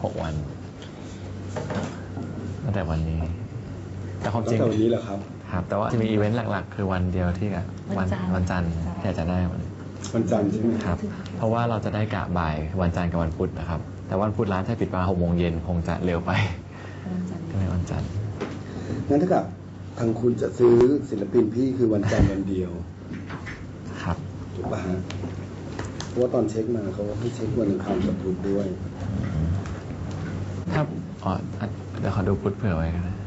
6 วันตั้งแต่วันนี้แต่ความจริงวันนี้เหรอครับครับแต่ว่าจะมีอีเวนต์หลักๆคือวันเดียวที่วันจันทร์ที่จะได้วันจันทร์ใช่ไหมครับเพราะว่าเราจะได้กะบ่ายวันจันทร์กับวันพุธนะครับแต่วันพุธร้านถ้าปิดมา6 โมงเย็นคงจะเร็วไปก็เลยวันจันทร์งั้นถ้ากับทางคุณจะซื้อศิลปินพี่คือวันจันทร์วันเดียวครับถูกป่ะฮะเพราะว่าตอนเช็คมาเขาให้เช็ควันอังคารกับพุธด้วยถ้าเดี๋ยวขอดูพุธเผื่อไว้กันนะ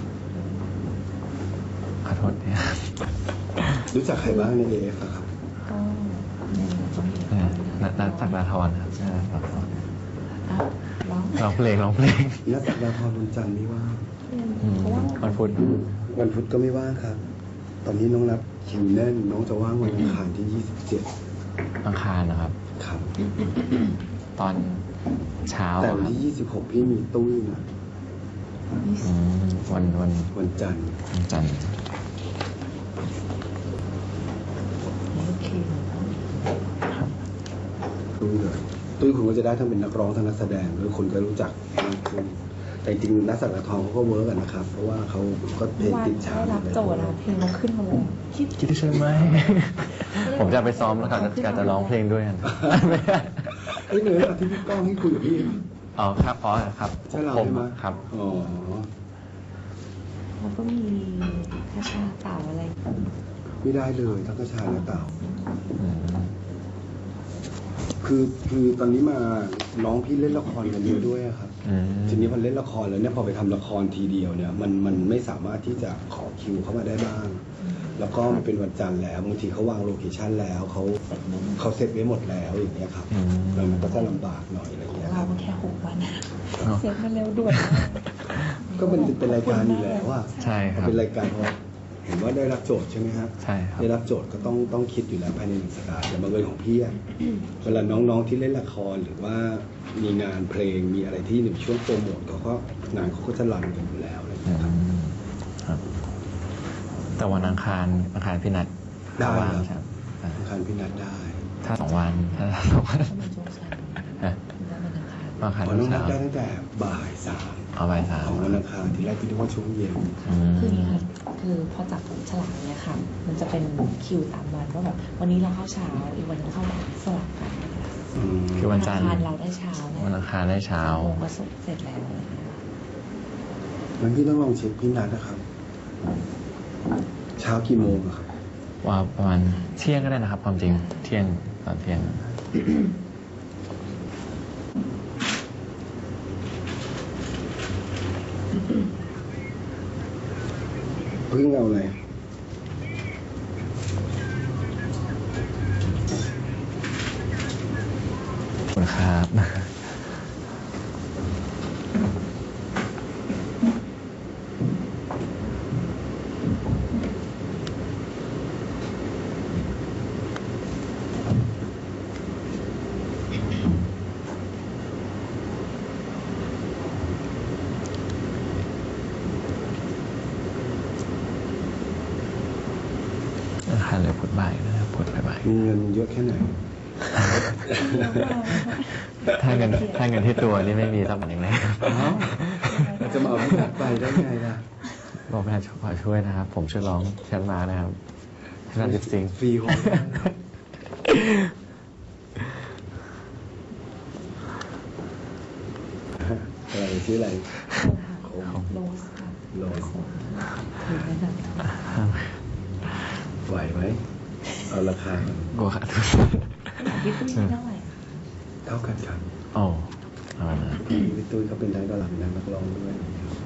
ขอโทษเนี่ยรู้จักใครบ้างใน AF ครับนักสักดาธรครับร้องเพลงนักสักดาธรวันจันทร์ไม่ว่างวันพุธก็ไม่ว่างครับตอนนี้น้องนับคิวแน่นน้องจะว่างวันอังคารที่27 อังคารนะครับครับตอนเช้าแต่วันที่26พี่มีตุ้ยนะวันจันทร์ตุ้ยคุณก็จะได้ทั้งเป็นนักร้องทั้งนักแสดงหรือคนก็รู้จักมากขึ้นแต่จริงนักสักดาทองเขาก็เวิร์กกันนะครับเพราะว่าเขาก็เพลงติดชาร์ตรับโจทย์เพลงเขาขึ้นมาเลยคิดใช่ไหมผมจะไปซ้อมแล้วกันจะร้องเพลงด้วยกันไม่เหนื่อยหรอกที่พี่ก้องให้คุยกับพี่อ๋อครับครับใช่เราใช่ไหมครับอ๋อมันก็มีกระชาเต่าอะไรไม่ได้เลยทั้งกระชาและเต่าคือตอนนี้มาน้องพี่เล่นละครกันเยอะด้วยครับทีนี้พอเล่นละครแล้วเนี่ยพอไปทำละครทีเดียวเนี่ยมันไม่สามารถที่จะขอคิวเข้ามาได้บ้างแล้วก็มันเป็นวันจันทร์แล้วบางทีเขาวางโลเคชั่นแล้วเขาเซตไว้หมดแล้วอย่างเงี้ยครับมันก็จะลำบากหน่อยอะไรเงี้ยเราแค่6 วันเซตมันเร็วด่วนก็มันเป็นรายการอยู่แล้วว่าใช่ครับเป็นรายการเพราะเห็นว่าได้รับโจทย์ใช่ไหมครับใช่ครับได้รับโจทย์ก็ต้องคิดอยู่แล้วภายใน1 สัปดาห์แต่บางเรื่องของพี่เวลาน้องๆที่เล่นละครหรือว่ามีงานเพลงมีอะไรที่1 ช่วงโปรโมทงานเขาก็จะรันกันอยู่แล้วอะไรอย่างเงี้ยครับแต่วันอังคารพี่นัดได้ครับอังคารพี่นัดได้ถ้า2 วันถ้า2 วันวันอังคารน้องนัดได้ตั้งแต่บ่าย 3 บ่าย 3 ของวันอังคารที่แรกที่เรียกว่าช่วงเย็นคือนี่ค่ะคือพอจับฉลากเนี่ยค่ะมันจะเป็นคิวตามวันว่าแบบวันนี้เราเข้าเช้าอีกวันนึงเข้าสลับกันคือวันจันทร์เราได้เช้าวันอังคารได้เช้าก็เสร็จแล้วงั้นพี่ต้องลองเช็คพี่นัดนะครับเช้ากี่โมงครับว่าประมาณเที่ยงก็ได้นะครับความจริงเที่ยงตอนเที่ยงเพิ่งเอาอะไรคุณครับคันเลยพุดบ่ายนะครับพุดบ่ายมีเงินเยอะแค่ไหนถ้าเงินที่ตัวนี่ไม่มีรับอย่างไรจะมาเอาพี่นัดไปได้ไงล่ะบอกพี่นัดขอช่วยนะครับผมช่วยร้องแชทมานะครับพี่นัดลิปซิงฟรีของอะไรชื่ออะไรโรสไหวไหมเอาราคาโกขาดพี่ตุ้ยเท่าไหร่เท่ากันครับอ๋อพี่ตุ้ยเขาเป็นทั้งตลาดเป็นทั้งนักร้องด้วย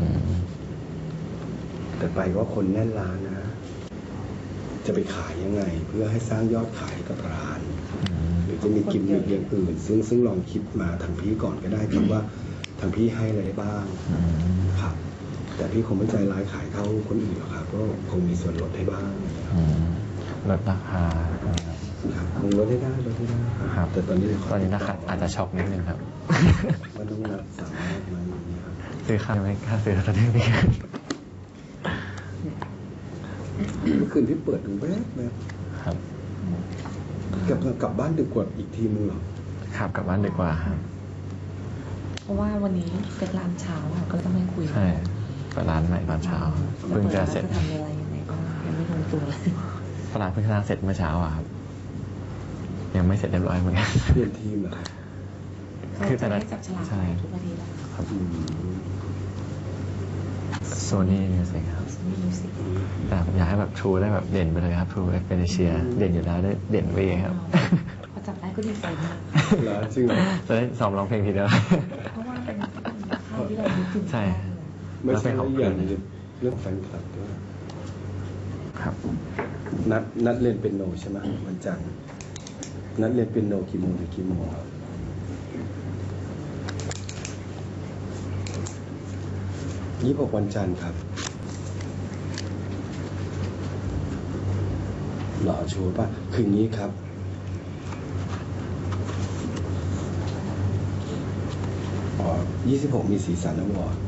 แต่ไปก็คนแน่นร้านนะจะไปขายยังไงเพื่อให้สร้างยอดขายกับร้านหรือจะมีกิมมิคอย่างอื่นซึ่งลองคิดมาทางพี่ก่อนก็ได้ครับว่าทางพี่ให้อะไรบ้างครับแต่พี่คงไม่ใจร้ายขายเท่าคนอื่นหรอกครับก็คงมีส่วนลดให้บ้างลดราคาครับคงลดได้ครับแต่ตอนนี้นะครับอาจจะช็อกนิดนึงครับมันต้องสามารถมาอย่างนี้ครับซื้อข้าวไหมค่าซื้อตอนนี้มีเมื่อคืนพี่เปิดดูแบบครับกลับบ้านดึกกว่าอีกทีนึงหรอครับกลับบ้านดึกกว่าครับเพราะว่าวันนี้เสร็จร้านเช้าค่ะก็ต้องไปคุยใช่เปิดร้านใหม่ตอนเช้าเพิ่งจะเสร็จจะทำอะไรยังไงบ้างยังไม่ลงตัวเลยฝรั่งเพิ่งสร้างเสร็จเมื่อเช้าอะครับ ยังไม่เสร็จเรียบร้อยเหมือนกันเปลี่ยนทีมเหรอครับคือแต่จะละได้จับฉลากใช่ทุกประเทศแล้วครับอืมโซนี่มิวสิกครับมีมิวสิกแต่ผมอยากให้แบบทรูได้แบบเด่นไปเลยครับทรูเป็นเอเชียเด่นอยู่แล้วได้เด่นไปเองครับพอจับได้ก็ดีใจมากเหรอจริงเหรอจะได้ซ้อมร้องเพลงทีเดียวเพราะว่าเป็นค่ายที่เรานึกถึงใช่ไม่แล้วเป็ใช่นของอย่างเพื่อนเรื่องแฟนคลับด้วยครับนัดเรียนเปียโนใช่ไหมวันจันทร์นัดเรียนเปียโนกี่โมงถึงกี่โมงครับ26วันจันทร์ครับหล่อชัวร์ป่ะคืออย่างนี้ครับ26มีสีสันอวอร์ด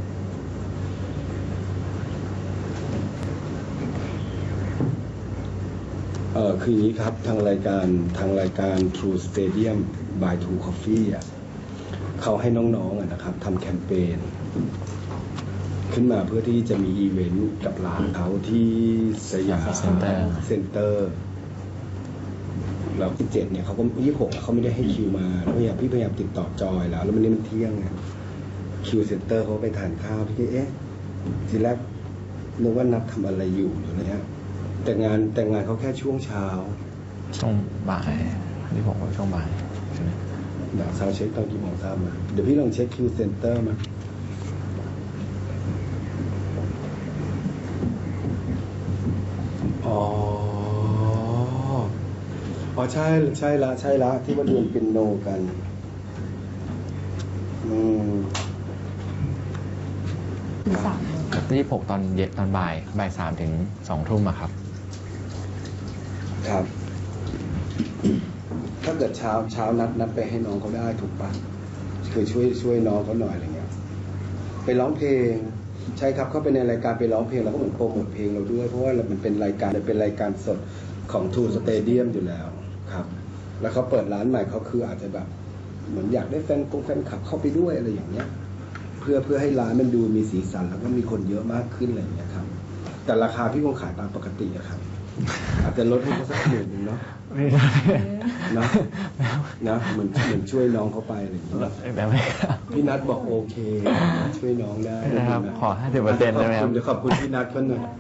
คืออย่างนี้ครับทางรายการ True Stadium by True Coffee อ่ะเขาให้น้องๆนะครับทำแคมเปญขึ้นมาเพื่อที่จะมีอีเวนต์กับร้านเขาที่สยามเซ็นเตอร์แล้ว17เนี่ยเขาก็26เขาไม่ได้ให้คิวมาแล้วพี่พยายามติดต่อจอยแล้วมันนี่มันเที่ยงไงคิวเซ็นเตอร์เขาไปทานข้าวพี่ก็ทีแรกนึกว่านัดทำอะไรอยู่หรืออะไรเงี้ยแต่งานเขาแค่ช่วงเช้าช่วงบ่ายที่ผมว่าช่วงบ่ายใช่ไหมเดี๋ยวซาวเช็คตอนกี่โมงทราบมาเดี๋ยวพี่ลองเช็คคิวเซ็นเตอร์มาใช่ละที่ว่าเรียนเปียโนกันถึง3 โมง 26ตอนเย็นตอนบ่าย3 ถึง 2 ทุ่มอะครับครับ ถ้าเกิดเช้านัดไปให้น้องเขาได้ถูกปะคือช่วยน้องเขาหน่อยอะไรเงี้ยไปร้องเพลงใช่ครับเข้าไปในรายการไปร้องเพลงเราก็เหมือนโปรโมทเพลงเราด้วยเพราะว่ามันเป็นรายการสดของ True Stadium อยู่แล้วครับแล้วเขาเปิดร้านใหม่เขาคืออาจจะแบบเหมือนอยากได้แฟนคลับเข้าไปด้วยอะไรอย่างเงี้ยเพื่อให้ร้านมันดูมีสีสันแล้วก็มีคนเยอะมากขึ้นอะไรอย่างเงี้ยครับแต่ราคาพี่คงขายตามปกติอะครับอาจจะลดให้เขาสัก1,000เนาะไม่ได้นะเหมือนช่วยน้องเขาไปอะไรอย่างเงี้ยแบบไม่ครับพี่นัทบอกโอเคช่วยน้องได้นะครับขอ 50% ได้ไหมครับเดี๋ยวขอบคุณพี่นัทเขาหน่อย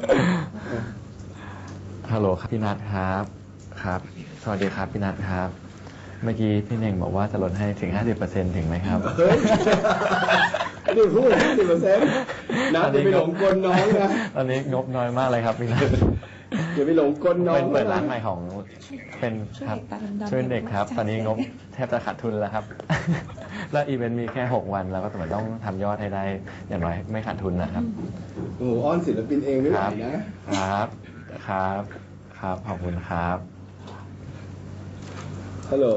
ฮัลโหลครับพี่นัทครับครับ สวัสดีครับพี่นัทครับ เมื่อกี้พี่เน่งบอกว่าจะลดให้ถึง 50% ถึงไหมครับเฮ้ยนี่พูด50%นัทอย่าไปหลงกลน้องนะตอนนี้งบน้อยมากเลยครับพี่นัทอย่าไปหลงกลน้องเป็นเปิดร้านใหม่ของเป็นครับช่วยเด็กตาดำๆช่วยเด็กครับ ตอนนี้งบแทบจะขาดทุนแล้วครับ แล้วอีเวนต์มีแค่6 วันแล้วก็ต้องทำยอดให้ได้อย่างน้อยไม่ขาดทุนนะครับโอ้โหอ้อนศิลปินเองไม่ไหวนะครับครับครับขอบคุณครับฮัลโหล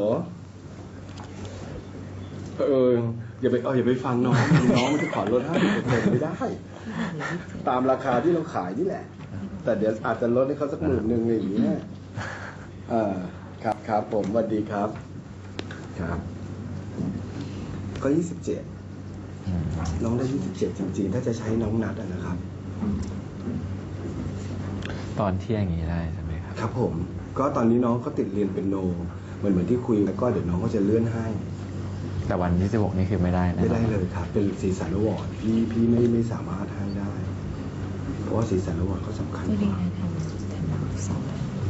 อย่าไปฟังน้องมันจะขอลด50%ไม่ได้ ตามราคาที่เราขายนี่แหละ แต่เดี๋ยวอาจจะลดให้เขาสัก10,000อะไรอย่างเงี้ยครับผมสวัสดีครับ ครับ ก็27น้องได้27จริงๆถ้าจะใช้น้องนัดนะครับตอนเที่ยงอย่างนี้ได้ใช่ไหมครับครับผม ก็ตอนนี้น้องก็ติดเรียนเป็นโนเหมือนที่คุยแล้วก็เดี๋ยวน้องก็จะเลื่อนให้แต่วันที่16นี่คือไม่ได้นะไม่ได้เลยครับ เป็นสีสันอวอร์ดพี่ไม่สามารถให้ได้ เพราะว่าสีสันอวอร์ดเขาสำคัญไม่กได้ว่าทำสอง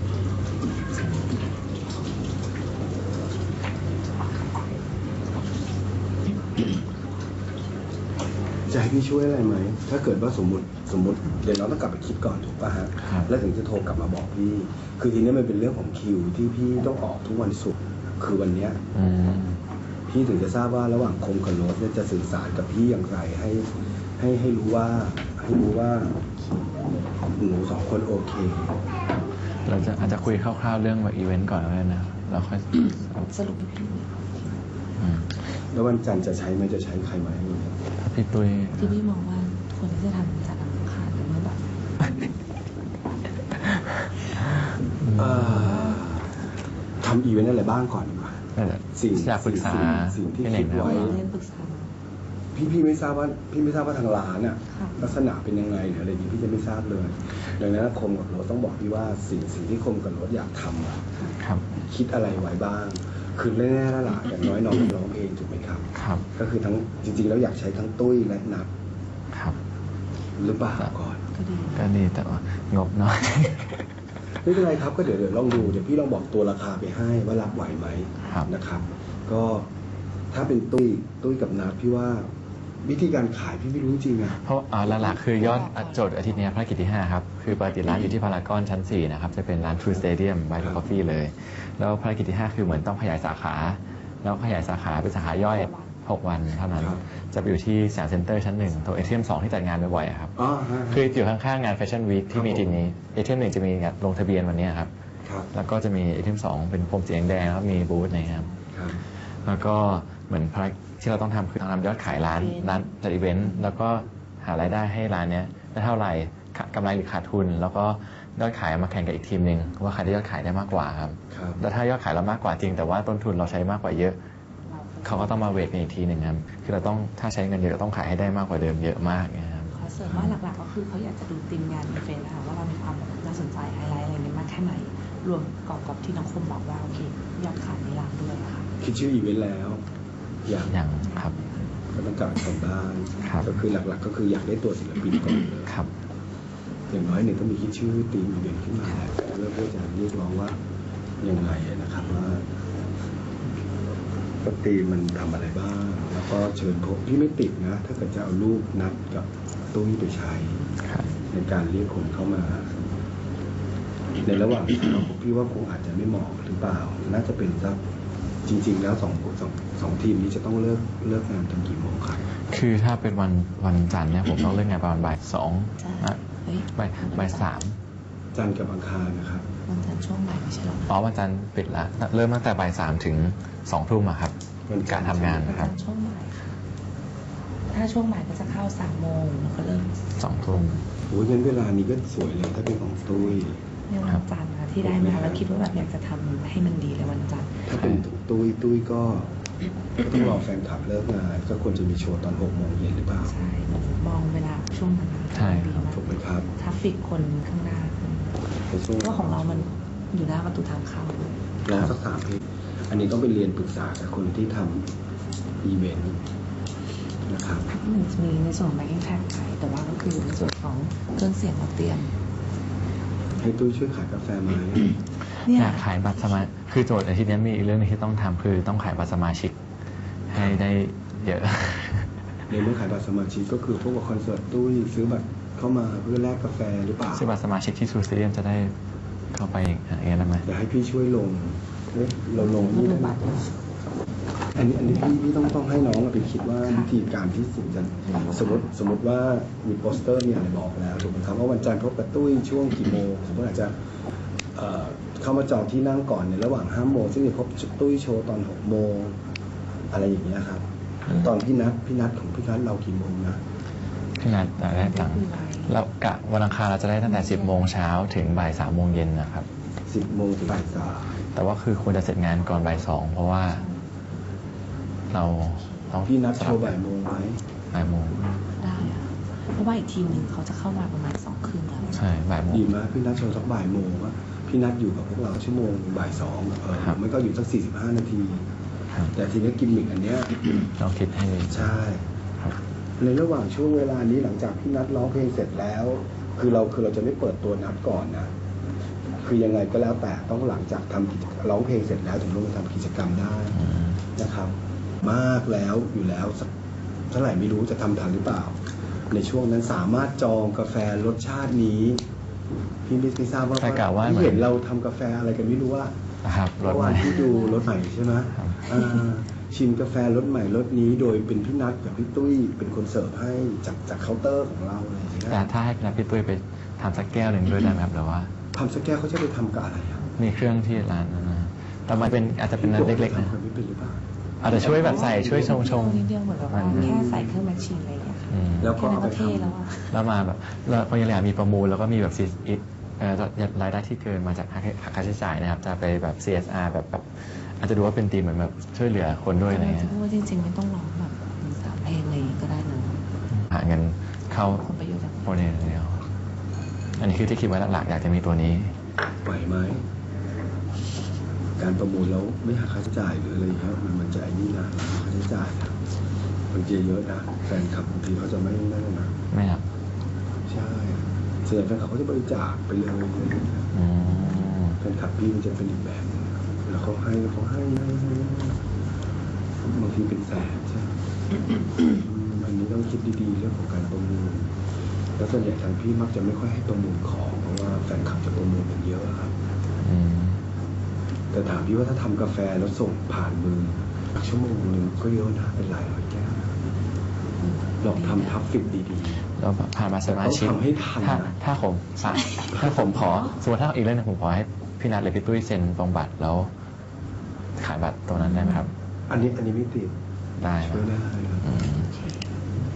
จะให้พี่ช่วยอะไรไหม ถ้าเกิดว่าสมมติเดี๋ยวเราต้องกลับไปคิดก่อนถูกป่ะฮะ แล้วถึงจะโทรกลับมาบอกพี่ คือทีนี้มันเป็นเรื่องของคิวที่พี่ต้องออกทุกวันศุกร์คือวันเนี้ย พี่ถึงจะทราบว่าระหว่างคงกับโรสเนี่ยจะสื่อสารกับพี่อย่างไรให้รู้ว่าหนู2 คนโอเคเราจะอาจจะคุยคร่าวๆเรื่องแบบอีเวนต์ก่อนก็ได้นะเราค่อยสรุปให้พี่แล้ววันจันทร์จะใช้ไหมจะใช้ใครไหมถ้าพี่ตุ้ยที่พี่มองว่าคนที่จะทำจากอังคารหรือว่าแบบทำอีเวนต์อะไรบ้างก่อนดีกว่าอยากปรึกษาสิ่งที่พี่เน่คิงดนะไว้เล่นปรึกษาพี่ไม่ทราบว่าทางร้านอะค่ะลักษณะเป็นยังไงหรืออะไรอย่างนี้พี่จะไม่ทราบเลยดังนั้นคมกับโรสต้องบอกพี่ว่าสิ่งที่คมกับโรสอยากทำอะครับคิดอะไรไว้บ้าง คือแน่ๆแล้วล่ะอย่างน้อยน้องร้องเพลงถูกไหมครับครับก็คือทั้งจริงๆแล้วอยากใช้ทั้งตุ้ยและนับครับหรือเปล่าก่อนก็ดีก็ดีแต่ว่างบน้อยไม่เป็นไรครับก็เดี๋ยวลองดูเดี๋ยวพี่ลองบอกตัวราคาไปให้ว่ารับไหวไหมครับนะครับ ก็ถ้าเป็นตุ้ยกับนับพี่ว่าวิธีการขายพี่ไม่รู้จริงอะเพราะหลักๆคือยอดโจทย์อาทิตย์นี้ภารกิจที่ 5 ครับ คือปกติร้านอยู่ที่พารากอนชั้น 4 นะครับ จะเป็นร้าน True Stadium by The Coffee เลย แล้วภารกิจที่ 5 คือเหมือนต้องขยายสาขา แล้วขยายสาขาเป็นสาขาย่อย 6 วันเท่านั้น จะไปอยู่ที่สยามเซ็นเตอร์ชั้น 1 ตรงเอเทียม 2 ที่จัดงานบ่อยๆอะครับอ๋อฮะคืออยู่ข้างๆงานแฟชั่นวีคที่มีทีนี้เอเทียม 1 จะมีงานลงทะเบียนวันนี้ครับครับแล้วก็จะมีเอเทียม 2 เป็นพรมสีแดงๆแล้วก็มีบูธนะครับครับแล้วก็เหมือนภารกิจที่เราต้องทำคือทำยอดขายร้านจัดอีเวนต์แล้วก็หารายได้ให้ร้านเนี้ยได้เท่าไหร่กำไรหรือขาดทุน แล้วก็ยอดขายเอามาแข่งกับอีกทีมหนึ่งว่าใครได้ยอดขายได้มากกว่าครับครับแล้วถ้ายอดขายเรามากกว่าจริง แต่ว่าต้นทุนเราใช้มากกว่าเยอะ เขาก็ต้องมาเวทกันอีกทีหนึ่งครับคือเราต้องถ้าใช้เงินเยอะเราต้องขายให้ได้มากกว่าเดิมเยอะมากนะครับขอเสริมว่าหลักๆก็คือเขาอยากจะดูทีมงานอีเวนต์นะคะว่าเรามีความน่าสนใจไฮไลท์อะไรเงี้ยมากแค่ไหนรวมประกอบกับที่น้องคมบอกว่าโอเคยอดขายในร้านด้วยค่ะคิดชื่ออีเวนต์แล้ว อย่างอย่างครับก็ต้องการทำบ้านครับก็คือหลักๆ ก็คืออยากได้ตัวศิลปินก่อนเลยครับอย่างน้อยหนึ่งต้องมีคิดชื่อทีมอีเวนต์ขึ้นมาเพื่อจะเรียกร้องว่ายังไงนะครับว่าปกติมันทำอะไรบ้าง แล้วก็เชิญพบพี่ไม่ติดนะ ถ้าเกิดจะเอารูปนัดกับตุ้ยไปใช้ครับในการเรียกคนเข้ามา ในระหว่างทางพี่ว่าคงอาจจะไม่เหมาะหรือเปล่า น่าจะเป็นสักจริง ๆ แล้วสองทีมนี้จะต้องเลิกงานตอนกี่โมงครับคือถ้าเป็นวันจันทร์เนี่ยผมต้องเลิกงานประมาณบ่าย 2 เฮ้ยบ่ายจันทร์กับอังคารนะครับวันจันทร์ช่วงบ่ายไม่ใช่หรอ 3อ๋อวันจันทร์ปิดละเริ่มตั้งแต่บ่าย 3 ถึง 2 ทุ่มอะครับวันจักานทร์รทำงานวันนะครับจันทร์ช่วงบ่ายค่ะถ้าช่วงบ่ายก็จะเข้า3 โมงแล้วก็เริ่ม 2 ทุ่มโอ้ยงั้นเวลานี้ก็สวยเลยถ้าเป็นของตุ้ยในวันจันทร์นะที่ได้มาแล้วคิดว่าแบบอยากจะทำให้มันดีเลยวันจันทร์ถ้าเป็นตุ้ยก็ต้องรอแฟนคลับเลิกงานก็ควรจะมีโชว์ตอน6 โมงเย็นหรือเปล่าใช่มองเวลาช่วงนั้นนะใช่ดีครับมากถูกไหมครับทราฟฟิกคนข้างหน้าในช่วงเพราะว่าของเรามันอยู่หน้าประตูทางเข้าลองสัก3 เพลงอันนี้ต้องไปเรียนปรึกษากับคนที่ทำอีเวนต์นะครับมันจะมีในส่วนของ backing track ขายแต่ว่าก็คือในส่วนของเครื่องเสียงเราเตรียมให้ตุ้ยช่วยขายกาแฟไหมเนี่ยอยากขายบัตรสมาชิกคือโจทย์อาทิตย์นี้มีอีกเรื่องหนึงที่ต้องทำคือต้องขายบัตรสมาชิกให้ได้เยอะในเมื่อขายบัตรสมาชิกก็คือพวกกับคอนเสิร์ตตุ้ยซื้อบัตรเข้ามาเพื่อแลกกาแฟหรือเปล่าซึ่งบัตรสมาชิกที่ซูสเตเดียมจะได้เข้าไปอย่างเงี้ยได้ไหมเดี๋ยวให้พี่ช่วยลงเฮ้ยเราลงก็นี่ดูได้ไหมบัตรอันนี้พี่ต้องให้น้องไปคิดว่าวิธีการที่สุดจะสมมติว่ามีโปสเตอร์มีอะไรบอกแล้วถูกไหมครับว่าวันจันทร์พบกับตุ้ยช่วงกี่โมงสมมติอาจจะเข้ามาจองที่นั่งก่อนในระหว่าง5 โมงซึ่งจะพบตุ้ยโชว์ตอน6 โมงอะไรอย่างเงี้ยครับ ตอนพี่นัดของพี่นัดเรากี่โมงนะพี่นัดได้ตังค์แล้วกะวันอังคารเราจะได้ตั้งแต่ 10 โมงเช้าถึงบ่าย 3 โมงเย็นนะครับ 10 โมงถึงบ่ายแต่ว่าคือควรจะเสร็จงานก่อนบ่าย 2 เพราะว่าเราต้อง 3พี่นัดโชว์บ่ายโมงไหมบ่ายโมงได้อะเพราะว่าอีกทีมหนึ่งเขาจะเข้ามาประมาณ2 ครึ่งแล้วใช่บ่ายโมงดีมากพี่นัดโชว์สักบ่ายโมงว่าพี่นัดอยู่กับพวกเราชั่วโมงบ่าย 2 ครับมันก็อยู่สัก45 นาทีครับแต่ทีนี้กิมมิกอันเนี้ยลองคิดให้ดีใช่ครับในระหว่างช่วงเวลานี้หลังจากพี่นัดร้องเพลงเสร็จแล้ว คือเราจะไม่เปิดตัวนัดก่อนนะ คือยังไงก็แล้วแต่ต้องหลังจากทำกิจร้องเพลงเสร็จแล้วถึงลงมาทำกิจกรรมได้อืมนะครับ มากแล้วอยู่แล้วสักเท่าไหร่ไม่รู้จะทำทันหรือเปล่า ในช่วงนั้นสามารถจองกาแฟรสชาตินี้ พี่ไม่ทราบว่าแต่กะว่าพี่เห็นเราทำกาแฟอะไรกันไม่รู้ว่านะครับรเมื่ถอใหวาม่นที่ดูรถใหม่ใช่ไหมครับชิมกาแฟรสใหม่รสนี้โดยเป็นพี่นัทกับพี่ตุ้ยเป็นคนเสิร์ฟให้จากเคาน์เตอร์ของเราอะไรอย่างเงี้ยแต่ถ้าให้พี่นัดพี่ตุ้ยไปทำสักแก้วหนึ่งด้วยได้ไหมครับหรือว่าทำสักแก้วเขาจะไปทำกับอะไรอ่ะมีเครื่องที่ร้านนั้นนะแต่มันเป็นอาจจะเป็นร้านเล็กๆนะทำกันไม่เป็นหรือเปล่าอาจจะช่วยแบบใส่ช่วยชงนิดเดียวเหมือนแบบว่าแค่ใส่เครื่องแมชชีนอะไรอย่างเงี้ยค่ะอืมแล้วก็แค่นั้นเอาไปก็เท่แล้วทำอะแล้วมาแบบแล้วพอยังอยากมีประมูลแล้วก็มีแบบรายได้ที่เกินมาจากค่าใช้จ่ายนะครับ จะไปแบบ CSR แบบอาจจะดูว่าเป็นทีมเหมือนแบบช่วยเหลือคนด้วยอะไรจะเงี้ยพูดว่าจริงๆไม่ต้องร้องแบบ3 เพลงอะไรอย่างเงี้ยก็ได้เงินเข้าผลประโยชน์จากโปรเจกต์เดียวอันนี้คือที่คิดไว้หลักๆอยากจะมีตัวนี้ไหวไหมการประมูลแล้วไม่หักค่าใช้จ่ายหรืออะไรเงี้ยมันจะไอ้นี่นะค่าใช้จ่ายนะบางทีเยอะนะแฟนคลับบางทีเขาจะไม่นั่นนะไม่ครับใช่ส่วนใหญ่แฟนคลับเขาจะบริจาคไปเลยอืมแฟนคลับพี่มันจะเป็นอีกแบบนึงแล้วเขาให้บางทีเป็นแสนใช่ไหมอันนี้ต้องคิดดีๆเรื่องของการประมูลแล้วส่วนใหญ่ทางพี่มักจะไม่ค่อยให้ประมูลของเพราะว่าแฟนคลับจะประมูลกันเยอะครับอืมแต่ถามพี่ว่าถ้าทำกาแฟแล้วส่งผ่านมือชั่วโมงหนึ่งก็เยอะนะเป็นหลายร้อยแก้วลองทำทัฟฟิกดีแล้วผ่านมาสมาชิกแต่ต้องทำให้ทันนะถ้าผมถ้าผมขอสมมติถ้าอีกเรื่องหนึงผมขอให้พี่นัทหรือพี่ตุ้ยเซ็นตรงบัตรแล้วขายบัตรตรงนั้นได้ไหมครับๆอันนี้ไม่ติดได้คช่รัวยบได้ครับอืม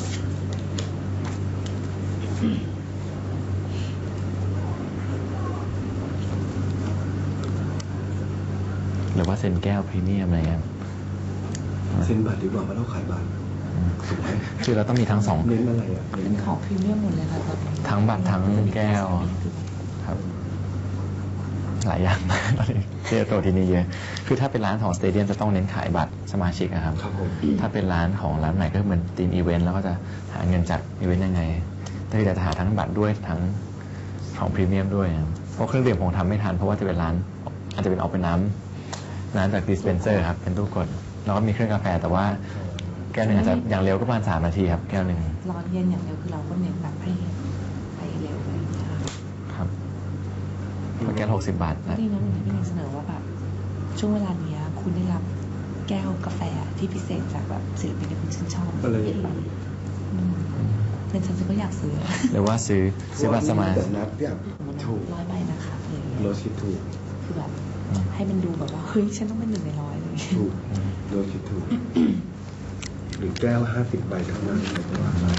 หรือว่าเซ็นแก้วพรีเมียมอะไรเงี้ยเซ็นบัตรดีกว่าเพราะเราขายบัตรอืมคือเราต้องมีทั้งสองเน้นอะไรอ่ะเป็นของพรีเมียมหมดเลยค่ะตอนนี้ทั้งบัตรทั้งแก้ว ครับ หลายอย่างมากตอนนี้ที่จะโตที่นี่เยอะ คือถ้าเป็นร้านของสเตเดียมจะต้องเน้นขายบัตรสมาชิกอะครับครับผมถ้าเป็นร้านของร้านใหม่ก็เหมือนทีมอีเวนต์แล้วก็จะหาเงินจัดอีเวนต์ยังไง แต่คือจะหาทั้งบัตรด้วยทั้งของพรีเมียมด้วยครับเพราะเครื่องดื่มผมทำไม่ทันเพราะว่าจะเป็นร้านอาจจะเป็นเอาเป็นน้ำจากดิสเพนเซอร์ครับเป็นตู้กดแล้วก็มีเครื่องกาแฟแต่ว่าแก้วหนึ่งอาจจะอย่างเร็วก็ประมาณ3 นาทีครับแก้วหนึ่งร้อนเย็นอย่างเดียวคือเราก็เน้นแบบให้ไปเร็วอะไรอย่างเงี้ยค่ะครับแล้วแก้ว60 บาทนะนี่นะวันนี้พี่เนยเสนอว่าแบบช่วงเวลาเนี้ยคุณได้รับแก้วกาแฟที่พิเศษจากแบบศิลปินที่คุณชื่นชอบอะไรอย่างนี้อืมเป็นฉันก็อยากซื้อหรือว่าซื้อบัตรสมาแต่นัดเนี่ยถูก 100 ใบนะคะอะไรอย่างเงี้ยโรสคิดถูกคือแบบให้มันดูแบบว่าเฮ้ยฉันต้องเป็น1 ใน 100เลยถูกโรสคิดถูกหรือแก้ว50 ใบเท่านั้นเลยก็ว่าไป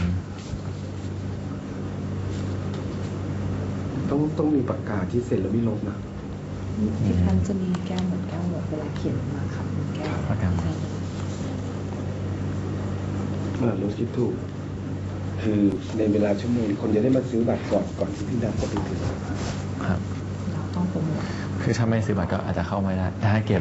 ต้องมีปากกาที่เซ็นแล้วไม่ลบนะที่ท่านจะมีแก้วเหมือนแก้วหมดเวลาเขียนมาครับเป็นแก้วปากกาโรสคิดถูก คือในเวลาชั่วโมงคนจะได้มาซื้อบัตรก่อนที่พี่นัทจะไปถึงครับเราต้องโปรโมทคือถ้าไม่ซื้อบัตรก็อาจจะเข้าไม่ได้ถ้าเก็บ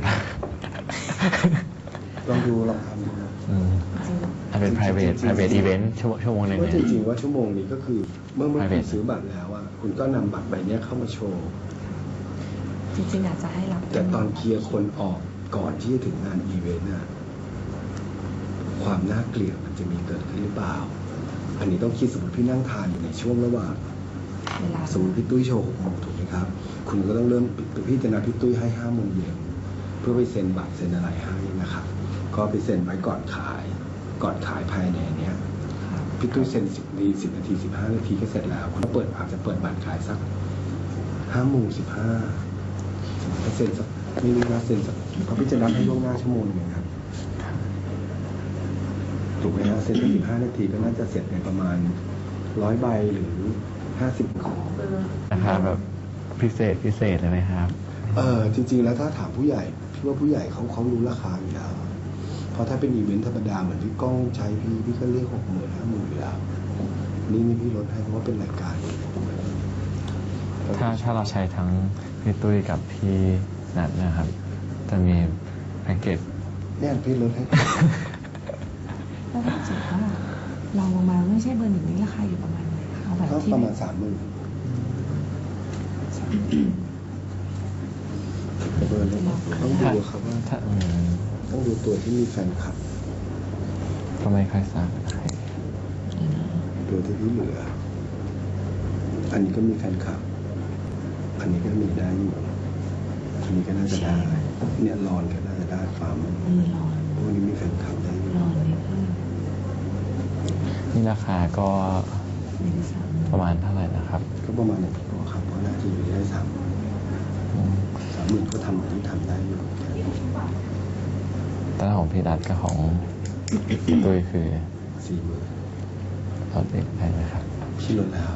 ลองทำดูนะอาจเป็น private event ชั่วโมงหนึ่งว่าเนี่ยจริงๆว่าชั่วโมงนี้ก็คือเมื่อคุณ private ซื้อบัตรแล้วอ่ะคุณก็นำบัตรใบเนี้ยเข้ามาโชว์จริงๆอาจจะให้รับแต่ตอนเคลียร์คนออกก่อนที่จะถึงงานอีเวนต์น่ะความน่าเกลียดมันจะมีเกิดขึ้นหรือเปล่า อันนี้ต้องคิดสมมติพี่นั่งทานอยู่ในช่วงระหว่างเวลาสมมติพี่ตุ้ยโชว์6 โมงถูกไหมครับ คุณก็ต้องเริ่มพี่จะนัดพี่ตุ้ยให้5 โมงเย็นเพื่อไปเซ็นบัตรเซ็นอะไรให้นะครับ ก็ไปเซ็นไว้ก่อนขายภายในเนี้ยพี่ตุ้ยเซ็น10 นาที 15 นาทีก็เสร็จแล้วคุณก็อาจจะเปิดบัตรขายสัก5 โมง 15ถ้าเซ็นสักไม่รู้นะเซ็นสักเขาพี่จะนัดให้ล่วงหน้าชั่วโมงนึงครับถูกไหมฮะเซ็นสัก15 นาทีก็น่าจะเสร็จในประมาณ100 ใบหรือ50 ของราคาแบบพิเศษเลยไหมครับจริงๆแล้วถ้าถามผู้ใหญ่พี่ว่าผู้ใหญ่เขารู้ราคาอยู่แล้วเพราะถ้าเป็นอีเวนต์ธรรมดาเหมือนพี่ก้องใช้พี่ก็เรียก60,000 50,000อยู่แล้วนี่พี่ลดให้เพราะว่าเป็นรายการถ้าเราใช้ทั้งพี่ตุ้ยกับพี่นัทนะครับ จะมีแพ็กเกจเนี่ยพี่ลดให้แล้วถ้าสมมติว่าเราลงมาไม่ใช่เบอร์ 1นี้ราคาอยู่ประมาณไหนคะเอาแบบก็ที่ประมาณ 30,000แต่เบอร์นี้ต้องดูครับว่าถ้าต้องดูตัวที่มีแฟนคลับก็ไม่ค่อยทราบตัวที่พี่เหลือ อันนี้ก็มีแฟนคลับ อันนี้ก็มีได้อยู่อันนี้ก็น่าจะได้เนี่ยรอนก็น่าจะได้ฟาร์มร้อนพวกนี้มีแฟนคลับได้อยู่ร้อนนิดนึงนี่ราคาก็ไม่ได้ซ้ำประมาณเท่าไหร่นะครับก็ประมาณ1 ตัวครับเพราะน่าจะอยู่ได้30,000ก็ทำที่ทำได้อยู่แต่ของพี่นัทกับของพี่ตุ้ยคือ 40,000 ลดอีกได้ไหมครับพี่ลดแล้ว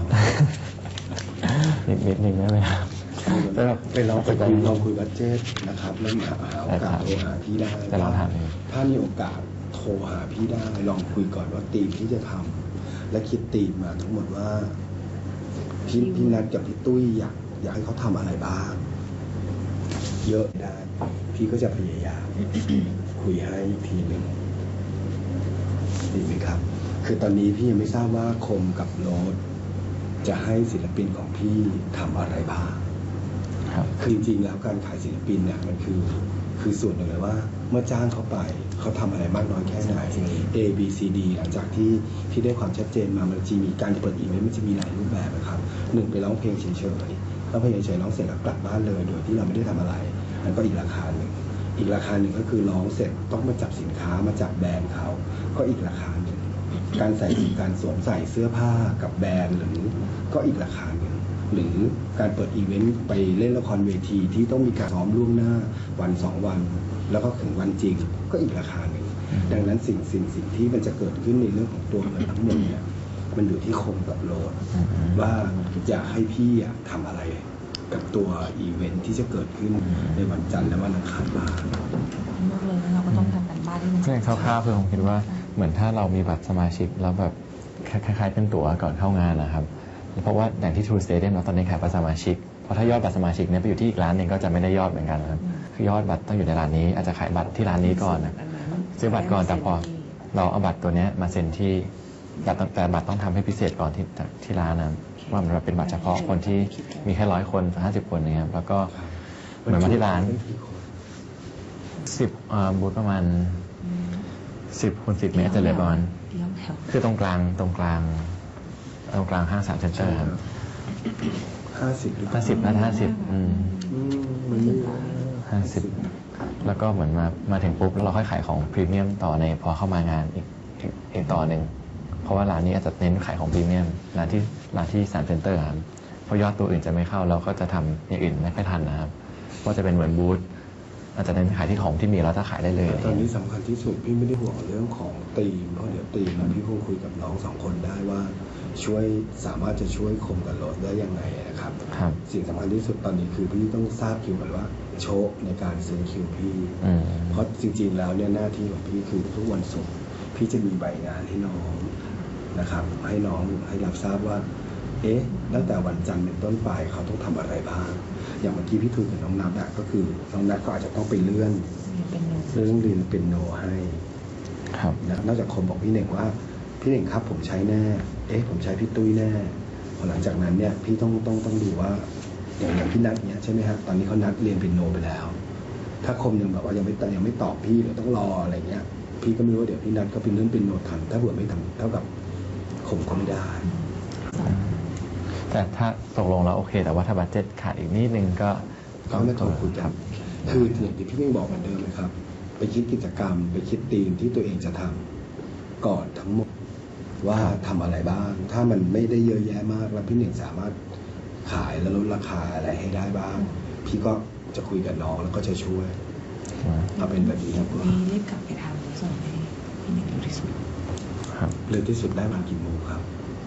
นิดนึงได้ไหมครับแล้วแบบไปลองคุยกันลองคุยบัดเจ็ตนะครับแล้วหาโอกาสโทรหาพี่ได้แต่ลองถามเองถ้ามีโอกาสโทรหาพี่ได้ลองคุยก่อนว่าธีมที่จะทำและคิดตีมมาทั้งหมดว่าพี่นัทกับพี่ตุ้ยอยากให้เขาทำอะไรบ้าง เยอะได้พี่ก็จะพยายาม คุยให้อีกทีหนึ่งดีไหมครับ คือตอนนี้พี่ยังไม่ทราบว่าคมกับโรสจะให้ศิลปินของพี่ทำอะไรบ้างครับคือจริงๆแล้วการขายศิลปินเนี่ยมันคือส่วนหนึ่งเลยว่าเมื่อจ้างเขาไปเขาทำอะไรมากน้อยแค่ไหน A B C D หลังจากที่พี่ได้ความชัดเจนมามันจะมีการเปิดอีเวนต์มันจะมีหลายรูปแบบนะครับหนึ่งไปร้องเพลงเฉยๆร้องเพลงเฉยๆร้องเสร็จแล้วกลับบ้านเลยโดยที่เราไม่ได้ทำอะไรนั่นก็อีกราคาหนึ่งอีกราคาหนึ่งก็คือร้องเสร็จต้องมาจับสินค้ามาจับแบรนด์เขาก็อีกราคาหนึ่งการสวมใส่เสื้อผ้ากับแบรนด์หรือก็อีกราคาหนึ่งหรือการเปิดอีเวนต์ไปเล่นละครเวทีที่ต้องมีการซ้อมล่วงหน้าวัน2 วันแล้วก็ถึงวันจริงก็อีกราคาหนึ่งดังนั้นสิ่งที่มันจะเกิดขึ้นในเรื่องของตัวเงินทั้งหมดเนี่ยมันอยู่ที่คมกับโรสว่าอยากให้พี่ทำอะไรกับตัวอีเวนต์ที่จะเกิดขึ้นในวันจันทร์และวันอังคารบ้างมากเลยแล้วเราก็ต้องทำกันบ้านที่มันเรื่องคร่าวๆคือผมคิดว่าเหมือนถ้าเรามีบัตรสมาชิกแล้วแบบคล้ายๆเป็นตั๋วก่อนเข้างานนะครับเพราะว่าอย่างที่ True Stadium เราตอนนี้ขายบัตรสมาชิกเพราะถ้ายอดบัตรสมาชิกเนี่ยไปอยู่ที่อีกร้านหนึ่งก็จะไม่ได้ยอดเหมือนกันนะครับคือยอดบัตรต้องอยู่ในร้านนี้อาจจะขายบัตรที่ร้านนี้ก่อนนะซื้อบัตรก่อนแต่พอเราเอาบัตรตัวเนี้ยมาเซ็นที่แต่บัตรต้องทำให้พิเศษก่อนที่ร้านนะว่ามันเป็นบัตรเฉพาะคนที่มีแค่100 คน50 คนนะครับแล้วก็เหมือนมาที่ร้าน10บูธประมาณ10 คูณ 10 เมตรจะเหลือประมาณคือตรงกลางห้าง3 เซ็นเตอร์ครับ 50 หรือ 50 น่าจะ50 มันไม่ 50แล้วก็เหมือนมาถึงปุ๊บแล้วเราค่อยขายของพรีเมียมต่อในพอเข้ามางานอีกต่อหนึ่งเพราะว่าร้านนี้อาจจะเน้นขายของพรีเมียมร้านที่3 เซ็นเตอร์ครับเพราะยอดตัวอื่นจะไม่เข้าเราก็จะทำอย่างอื่นไม่ค่อยทันนะครับว่าจะเป็นเหมือนบูธอาจจะเน้นขายที่ของที่มีแล้วจะขายได้เลยตอนนี้สำคัญที่สุดพี่ไม่ได้ห่วงเรื่องของธีมเพราะเดี๋ยวธีมพี่คงคุยกับน้อง2 คนได้ว่าสามารถจะช่วยคมกับโรสได้ยังไงนะครับ สิ่งสำคัญที่สุดตอนนี้คือพี่ต้องทราบคิวก่อนว่าโชคในการซื้อคิวพี่เพราะจริงๆแล้วเนี่ยหน้าที่ของพี่คือทุกวันศุกร์พี่จะมีใบงานให้น้องนะครับให้น้องให้รับทราบว่าตั้งแต่วันจันทร์เป็นต้นไปเขาต้องทำอะไรบ้างอย่างเมื่อกี้พี่คุยกับน้องนัทก็คือน้องนัทก็อาจจะต้องไปเลื่อนเรียนเป็นโนให้นอกจากคนบอกพี่เน่งว่าพี่เน่งครับผมใช้แน่ผมใช้พี่ตุ้ยแน่พอหลังจากนั้นเนี่ยพี่ต้องดูว่าอย่างพี่นัทเนี่ยใช่ไหมฮะตอนนี้เขานัดเรียนเป็นโนไปแล้วถ้าคมยังแบบว่ายังไม่ตอบพี่หรือต้องรออะไรเงี้ยพี่ก็ไม่รู้ว่าเดี๋ยวพี่นัทก็เป็นเรื่องเป็นโนทันถ้าเผื่อไม่ทำเท่ากับคมก็ไม่ได้แต่ถ้าตกลงแล้วโอเคแต่ว่าถ้าบัดเจ็ตขาดอีกนิดนึงก็ต้องโทรคุยกันคืออย่างที่พี่เพิ่งบอกเหมือนเดิมเลยครับไปคิดกิจกรรมไปคิดธีมที่ตัวเองจะทำก่อนทั้งหมดว่าทำอะไรบ้างถ้ามันไม่ได้เยอะแยะมากแล้วพี่หนึ่งสามารถขายและลดราคาอะไรให้ได้บ้างพี่ก็จะคุยกับน้องแล้วก็จะช่วยเอาเป็นแบบนี้ครับรีบกลับไปทำแล้วส่งให้พี่หนึ่งเร็วที่สุดเร็วที่สุดได้วันกี่โมงครับ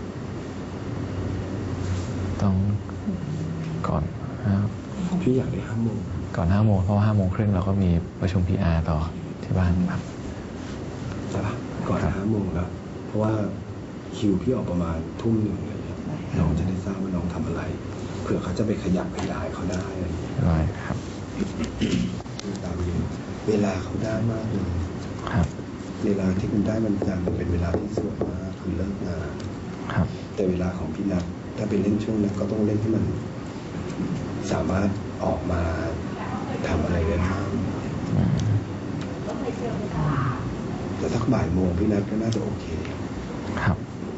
ต้องก่อนพี่อยากได้5 โมงก่อน5 โมงเพราะว่า5 โมงครึ่งเราก็มีประชุม PR ต่อที่บ้านครับใช่ปะก่อน5 โมงแล้วเพราะว่าคิวพี่ออกประมาณ 1:00เลยน้องจะได้ทราบว่าน้องทำอะไรเผื่อเขาจะไปขยับขยายเขาได้ได้ครับตามอยู่เวลาเขาได้มากเลยครับเวลาที่คุณได้มันเป็นเวลาที่สวยมากคือเลิกงานครับแต่เวลาของพี่นัทถ้าไปเล่นช่วงนั้นก็ต้องเล่นให้มันสามารถออกมาทำอะไรได้บ้างแต่ถ้าบ่ายโมงพี่นัทก็น่าจะโอเคครับ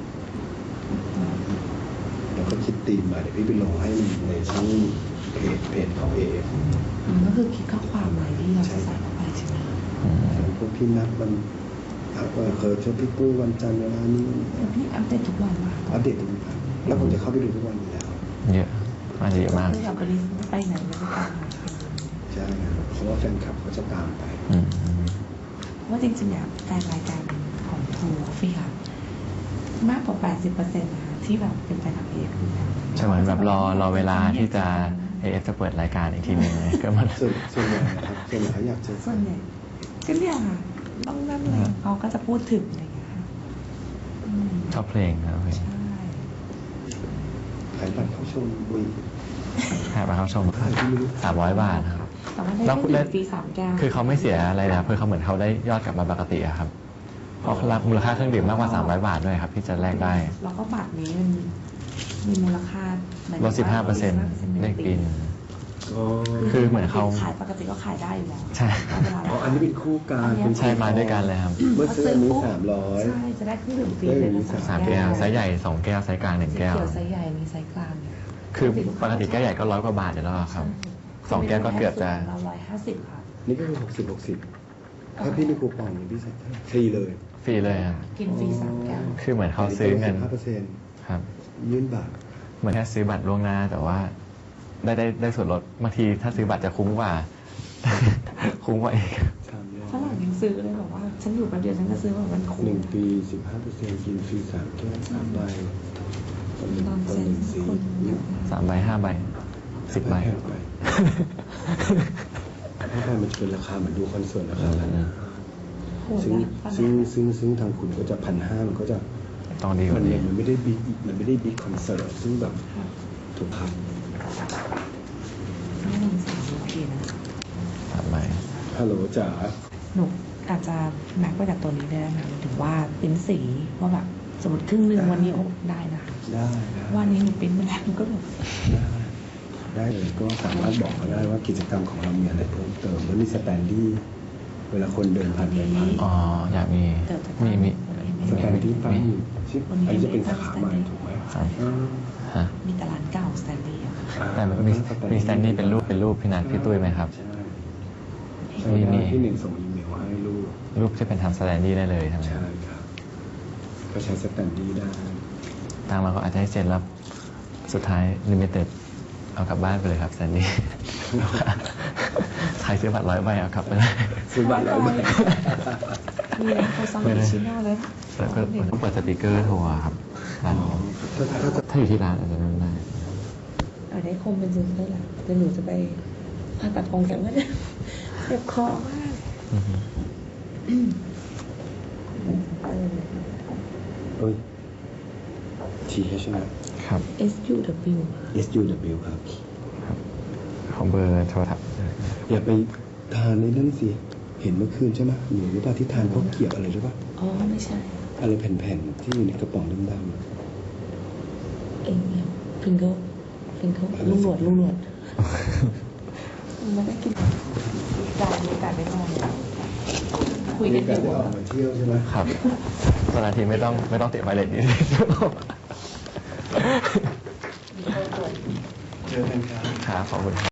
แล้วก็คิดตีมมาเดี๋ยวพี่ไปลงให้ในช่องเพจของAF ก็คือคิดข้อความอะไรที่เราจะใส่เข้าไปใช่ไหมพวกพี่นัทมันเคยชอบพี่ปุ้ยวันจันทร์เวลานี้พี่อัปเดตทุกวันมาอัปเดตทุกวันแล้วผมจะเข้าไปดูทุกวันอยู่แล้วเยอะอาจจะเยอะมากคือแบบไปไหนไม่ได้ตามใช่เพราะว่าแฟนคลับเขาจะตามไปว่าจริงๆเนี่ยแฟนรายการของทูฟี่ค่ะมากกว่า80%นะคะที่แบบเป็นแฟนคลับAF ใช่เหมือนแบบรอเวลาที่จะAFจะเปิดรายการอีกทีหนึ่งก็มันส่วนใหญ่นะครับส่วนใหญ่เขาอยากเจอส่วนใหญ่ก็เนี่ยค่ะต้องนั่นเลยเขาก็จะพูดถึงอะไรอย่างเงี้ยถชอบเพลงครับเพลงใช่ขายบัตรเข้าชมบุยหามาเข้าชม300 บาทครับแต่ว่าได้เครื่องดื่มฟรี3 แก้วคือเขาไม่เสียอะไรนะครับคือเขาเหมือนเขาได้ยอดกลับมาปกติอะครับเพราะมูลค่าเครื่องดื่มมากกว่า300 บาทด้วยครับที่จะแลกได้แล้วก็บัตรนี้มันมีมูลค่าลด 15% ได้กินอ๋อคือเหมือนเขาขายปกติก็ขายได้อยู่แล้วใช่เวลาอ๋ออันนี้เป็นคู่กันใช่มาด้วยกันเลยครับเมื่อซื้ออันนี้ปุ๊บ 300 ใช่จะได้เครื่องดื่มฟรีเลยนะ 3 แก้วไซส์ใหญ่ 2 แก้วไซส์กลาง 1 แก้วเขียวไซส์ใหญ่มีไซส์กลางคือปกติแก้วใหญ่ก็100 กว่าบาทอยู่แล้วครับ 2 แก้วก็เกือบจะเรา150ค่ะนี่ก็คือ60 ถ้าพี่มีคูปองนี่พี่ใช้ฟรีเลยฟรีเลยครับกินฟรี3 แก้วคือเหมือนเขาซื้อเงิน 15% ครับยื่นบัตรเหมือนแค่ซื้อบัตรล่วงหน้าแต่ว่าได้ส่วนลดบางทีถ้าซื้อบัตรจะคุ้มกว่า คุ้มกว่าเองฝรั่งยังซื้อเลยบอกว่า ฉันอยู่แป๊บเดียวฉันก็ซื้อแบบมันคุ้ม 1 ปี 15%กินฟรี3 แก้ว3 ใบคนหนึ่งตอนคนเซ็นหนึ่งสีคนเยอะมาก 3 ใบ 5 ใบ 10 ใบแพงไปถ้าใบมันจะเป็นราคาเหมือนดูคอนเสิร์ตราคานั้นนะโหดซึ่งนะฝซึ่งรั่งซึ่งทางคุณก็จะ1,500มันก็จะต้องดีกมัว่าน นี้มันไม่ได้บิ๊กคอนเสิร์ตซึ่งแบบถูกครับไม่ต้องสั่งโอเคนะ 3 ใบฮัลโหลจ๋าหนูอาจจะแม็กไปจากตัวนี้ได้ไหมถึงว่าปริ้นสีว่าแบบสมมติครึ่งหนึ่งวันนี้โอ้ได้นะได้ได้วันนี้หนูปริ้นมาแล้วหนูก็แบบได้เลยก็สามารถบอกเขาได้ว่ากิจกรรมของเรามีอะไรเพิ่มเติมแล้วมีสแตนดี้เวลาคนเดินผ่านไปผ่านอ๋อ อยากมี มีสแตนดี้ตั้งอยู่ชิปอันนี้จะเป็นสาขาใหม่ถูกไหมครับอ่าฮะมีแต่ร้านเก่าสแตนดี้อะค่ะแต่มันมีสแตนดี้เป็นรูปพี่นัทพี่ตุ้ยไหมครับใช่มีใช่พี่หนึ่งส่งอีเมลให้ลูกรูปที่เป็นทำสแตนดี้ได้เลยใช่ไหมใช่ครับก็ใช้สแตนดี้ได้ทางเราก็อาจจะให้เซ็นแล้วสุดท้ายลิมิเต็ดเอากลับบ้านไปเลยครับสแตนดี้ ใครซื้อบัตร100 ใบเอากลับไปเลยซื้อบัตร100 ใบมีร้านโคซังมิชิโน่เลยแล้วก็ต้องเปิดสปีกเกอร์โทรอะครับร้านนี้ ถ้าอยู่ที่ร้านอาจจะไม่ได้เอาได้คมเป็นซื้อได้แหละแต่หนูจะไปผ่าตัดกองแก้มก็ได้เจ็บคอมากอือฮึเอ้ย TH นะครับ SUW SUW ครับของเบอร์โทรศัพท์อย่าไปทานในนั่นสิ เห็นเมื่อคืนใช่ไหมหนูรู้ป่ะที่ทานข้าวเกรี๊ยวอะไรหรือป่ะอ๋อไม่ใช่อะไรแผ่นๆที่อยู่ในกระป๋องดำๆอะเอ็งเนี่ยฟิงเกิลลุงหนวดมันไม่กินจ่ายมีโอกาสได้มาเนี่ยคุยกันมีอการยู่ได้ออกมาเที่ยวใช่ไหมครับตอนนาทีไม่ต้องติดไวเลสนี้เจอกันครับครับขอบคุณครับ